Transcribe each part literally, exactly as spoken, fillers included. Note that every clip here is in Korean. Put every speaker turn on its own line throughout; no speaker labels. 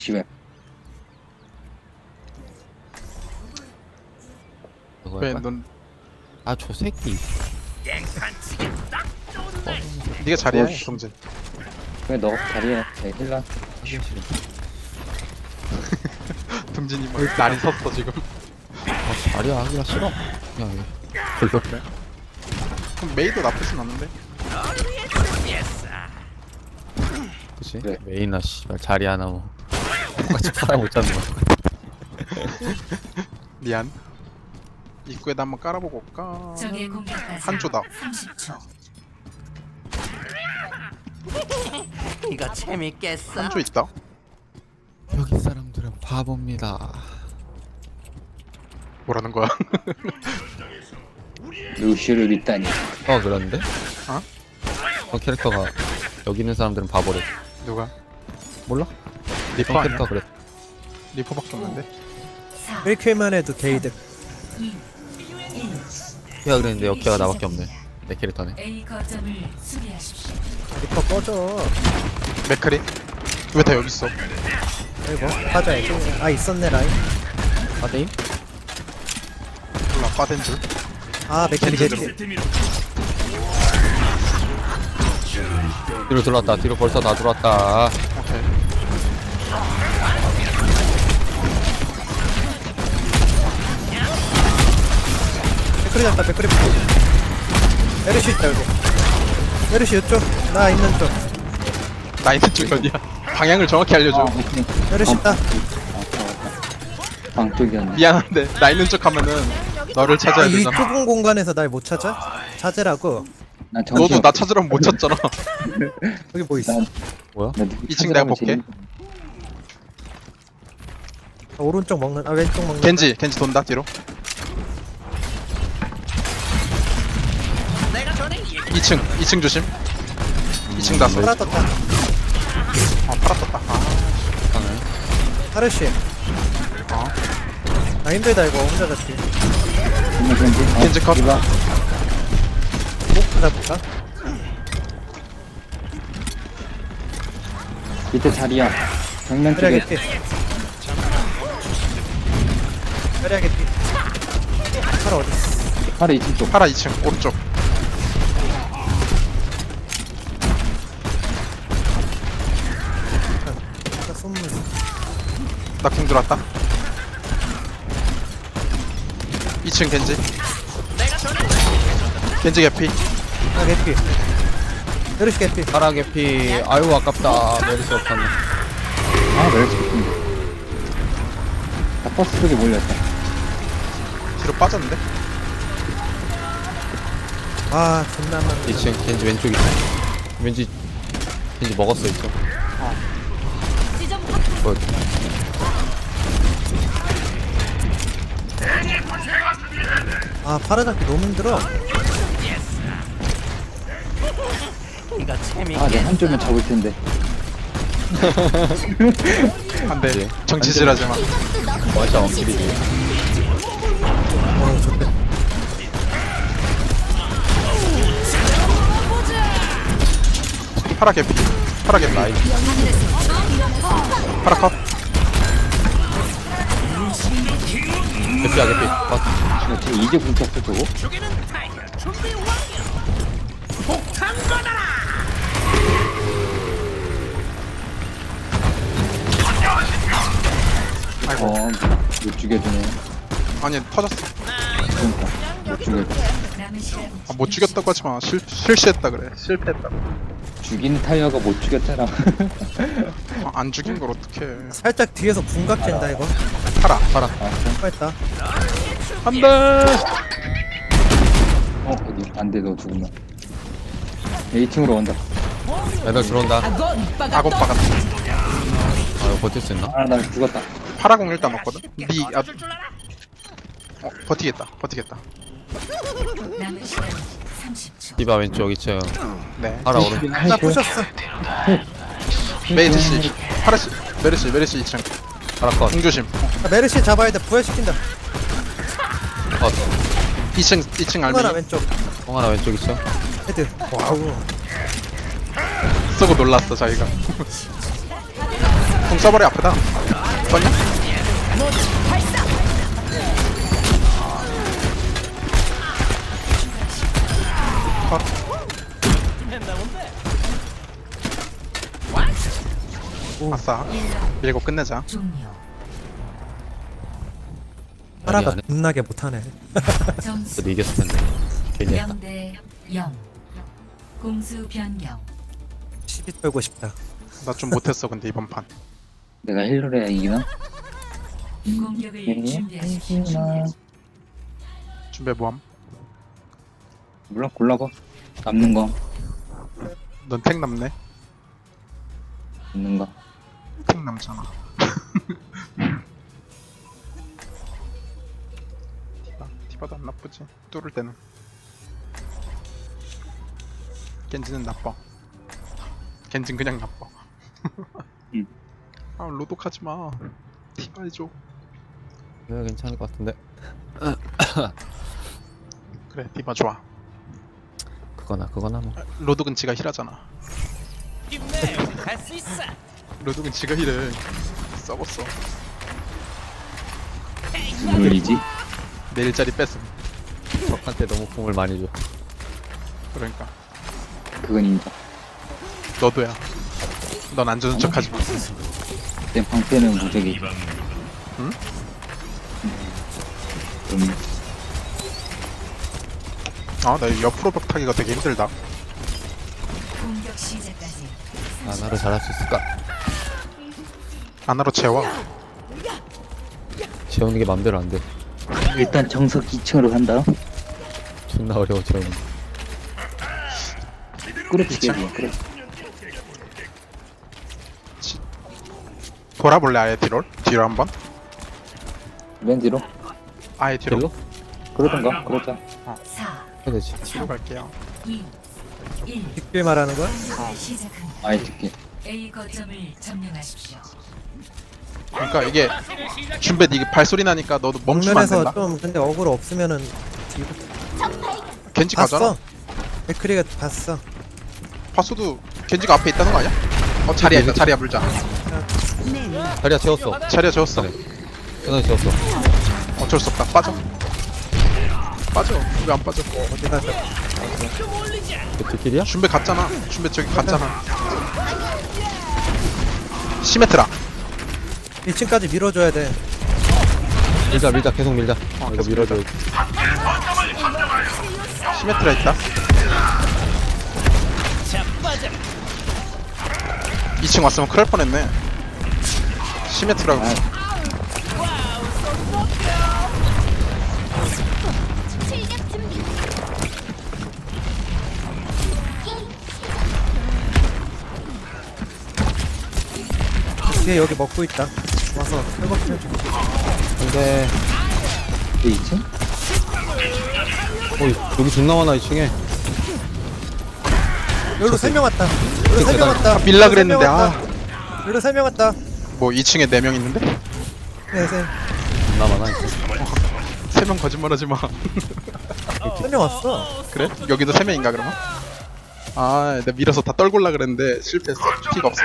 집에.
왜 넌
아저 새끼
네가 잘해
어, 씨.
동진.
왜 너 자리에 내 힐라.
동진이 뭐 날이 섰어 지금.
아 자리야 하기가 싫어 그냥 별로
그래? 그럼 메이도 나쁘진 않은데.
그치?
그래.
메이나 씨발 자리 하나 뭐 똑같이 팔아 못 잡는 거
미안. 입구에다 한번 깔아보고 올까?
적의 공격까지
한 조다.
삼십 초.
이거 재밌겠어.
한 조 있다.
여기 사람들은 바보입니다.
뭐라는 거야?
루시를 믿다니.
어 그런데?
어?
어 캐릭터가 여기 있는 사람들은 바보래.
누가?
몰라?
리퍼
어
아니야?
캐릭터 그래.
리퍼밖에 없는데.
사,
일 킬만 해도 게이득.
이, 일.
키가 그랬는데 여키가 나밖에 없네. 내 캐릭터네.
A 거점을 수비하십시오.
리퍼 꺼져.
맥크리? 왜 다 여기 있어?
아이고 빠져야지. 아 있었네 라인.
아데임?
몰라 빠된 줄.
아 맥힐이
겐지로.
개피.
뒤로 들어왔다. 뒤로 벌써 다 들어왔다.
오케이.
맥클이 잡다 맥클이. 메르시 있다 여기. 메르시 이쪽. 나 있는 쪽.
나 있는 쪽 어디야? 방향을 정확히 알려줘.
오케이.
메르시 있다.
아, 맞다. 방 쪽이었네.
미안한데 나 있는 쪽 하면은 너를
아,
찾아야
이
되잖아.
좁은 공간에서 날 못 찾아? 찾으라고.
난 정신
너도 나 찾으라면 못 찾잖아.
여기 뭐 있어?
난-
뭐야?
나 누구
이 층 내가
찾으라면
볼게.
재밌-
아, 오른쪽 먹는. 아 왼쪽 먹는.
겐지 겐지 돈다 뒤로. 이 층 이 층 조심. 이 층 다섯.
파라 떴다.
아 팔아 떴다. 아,
하네.
파르시.
어.
아 힘들다 이거 혼자 잡기.
정말 겐지. 어,
겐지 컷.
이봐.
목 잡을까?
밑에 자리야. 정면
그래
쪽에.
개피. 그래 개피. 파라 어디 있어?
바로 이층 쪽.
파라 이 층 오른쪽.
나 손물.
나 궁 들어왔다. 이 층 겐지. 겐지 개피.
아 개피. 메르시 개피.
파라게 피. 아유 아깝다. 메르시 없었네.
아, 멸치 깊은데. 나 버스 쪽에 몰렸다.
뒤로 빠졌는데?
아 존나 많네.
이 층 겐지 왼쪽 있어. 왠지 겐지 먹었어 있어. 뭐
아 파라 잡기 너무 힘들어.
이거
아, 내
재밌겠어.
한쪽면 잡을 텐데.
안돼. 정치질하지 마.
맞아 원킬이지.
어 좋대.
파라 개피. 파라 개피.
라인.
파라 컷.
개피야 개피. 아,
나 지금 이제 분 쳤어, 저거?
아이고.
어, 못 죽여주네.
아니 터졌어.
그러니까. 못 죽여줘.
남은 시간
아, 못 죽였다고 하지 마. 실 실수했다 그래. 실패했다.
죽인 타이어가 못 죽였잖아.
아, 안 죽인 걸 어떡해.
살짝 뒤에서 궁각 잰다 이거.
파라.
파라.
아,
했다.
안돼.
어, 어디? 안 돼, 너 죽으면. 이 층으로 온다.
애들 들어온다.
아곱 박았다.
아 이거 버틸 수 있나?
아, 나 죽었다.
파라공 일단 넣었거든. 니 아. 어 버티겠다. 버티겠다.
남은 시간 삼십 초.
디바 왼쪽 이 층.
네.
파라 오른쪽.
나 부셨어.
메이지 씨. 파라 씨. 메르시 메르시 이 층.
파라 컷.
궁 조심.
아, 메르시 잡아야 돼. 부활시킨다.
컷.
이 층 이 층 알미.
하나 왼쪽.
형 하나 왼쪽 있어.
헤드. 와우.
쓰고 놀랐어 자기가. 공 써버려 아프다. 뻔냐? 아싸. 밀고 끝내자.
종료.
파라가
아니.
겁나게 못하네.
점수
저도 이겼을 텐데. 괜히 했다.
영 대 영. 공수 변경.
시비 털고 싶다.
나 좀 못했어 근데 이번 판.
내가 힐러를 해야 이기나?
공격을 준비하십시오.
이기나?
준비 뭐함?
몰라 골라봐. 남는 거,
넌 탱 남네.
남는 거.
탱 남잖아. 티바 티바도 안 나쁘지. 뚫을 때는. 겐지는 나빠. 겐지는 그냥 나빠.
응.
아 로독하지 마. 티바 해줘.
내가 괜찮을 것 같은데.
그래 티바 좋아.
그거나 그거나 뭐.
로독은 지가 힐하잖아. 로독은 지가 힐을 썩었어.
물리지?
내일 자리 뺐음.
적한테 너무 공을 많이 줘.
그러니까
그건 인정.
너도야. 넌 안 주는 척하지 마.
내 방패는 무적이.
응?
음,
아, 나 옆으로 벽 타기가 되게 힘들다.
공격 시작까지
아 나를 잘할 수 있을까?
안으로 채워.
재우는 게 맘대로 안 돼.
일단 정석 이 층으로 간다.
존나 어려워 재우는. 게.
끌어치게 해. 끌어.
돌아볼래 아예 뒤로? 뒤로 한번?
맨 뒤로?
아예 뒤로?
딜로?
그러던가. 그러자.
사,
해야 되지.
뒤로 갈게요.
이, 일.
빅빌 말하는 거야?
시작합니다.
아예 듣게.
A 거점을 점령하십시오.
그러니까 이게 준비 이게 발소리 나니까 너도 멈추면 안
정면에서
된다.
좀 근데 어그로 없으면은
겐지 가잖아.
봤어. 백크리가 봤어.
파수도 겐지가 앞에 있다는 거 아니야? 어 자리야 있다. 자리야 물자.
자리야 채웠어.
자리야 재웠어.
전화 채웠어.
어쩔 수 없다. 빠져. 빠져. 왜 안 빠져?
어디 가서
그 뒷길이야?
준비 갔잖아. 준비 저기 갔잖아. 시메트라.
일 층까지 밀어줘야 돼.
밀자 밀자 계속 밀자.
어,
이거
계속
밀어줘.
시메트라 있다. 이 층 왔으면 큰일 날 뻔했네. 시메트라고.
뒤에 여기 먹고 있다. 와서 회복해.
근데
그 이 층?
어이 여기 존나 많아 이 층에.
여기로 세 명 왔다. 여기로 세 명 왔다.
밀라 그랬는데 아.
여기로 세 명 왔다.
뭐 이 층에 네 명 있는데?
네, 세.
존나 많아 이 층.
세 명 거짓말하지 마.
세명 왔어.
그래? 여기도 세 명인가 그러면? 아, 내가 밀어서 다 떨굴라 그랬는데 실패했어. 피가 없었어.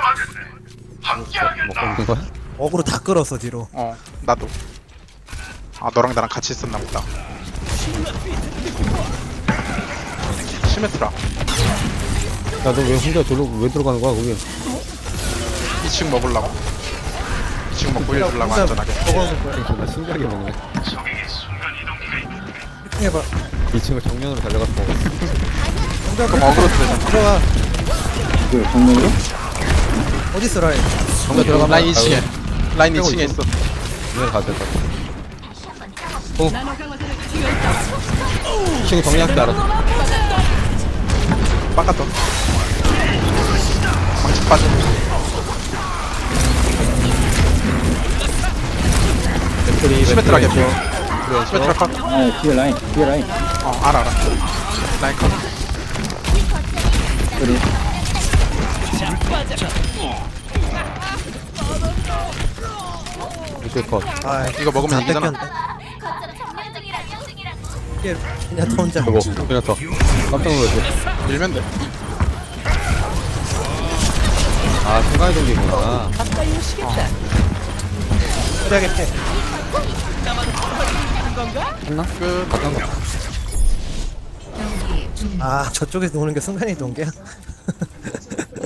먹고 있는 거야?
어그로 다 끌었어 뒤로.
어, 나도. 아, 너랑 나랑 같이 있었나 보다. 시메트라.
야 너 왜 혼자 저로 왜 들어가는 거야 거기?
이 층 먹으려고. 이 층 먹고 일 주려고 안전하게.
먹어놓을 거야.
존나 신기하게 먹네.
해봐.
이 층을 정면으로 달려가서 먹어.
그럼 어그로 되잖아.
들어가.
그 정면으로?
어딨어 라인?
정면 들어가면
라인 이 층에. 라인 이
빼고
층에
있어.
있어.
정면 가야 될것 같아. 이 층 정리할 줄 알았어.
빡갔다. 망치 빠져.
맥크리
시메트라 개피.
그래
시메트라 컷.
아 뒤에 라인. 뒤에 라인.
어, 알아, 알아. 라인 컷.
그래.
맥크리 컷.
아
이거 먹으면 이기잖아.
이게 그냥 더 혼자.
저거 그냥 더 깜짝 놀랐어.
밀면 돼.
아 순간이동기구나.
그래야겠대.
했나?
끝.
어떤 거?
경기 중
아 저쪽에서 오는 게 순간이동기야?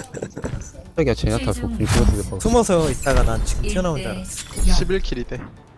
저기야 제나타 도핑 찍어주겠다.
숨어서 있다가 난 지금 튀어나온 줄 알았어.
십일 킬이 돼.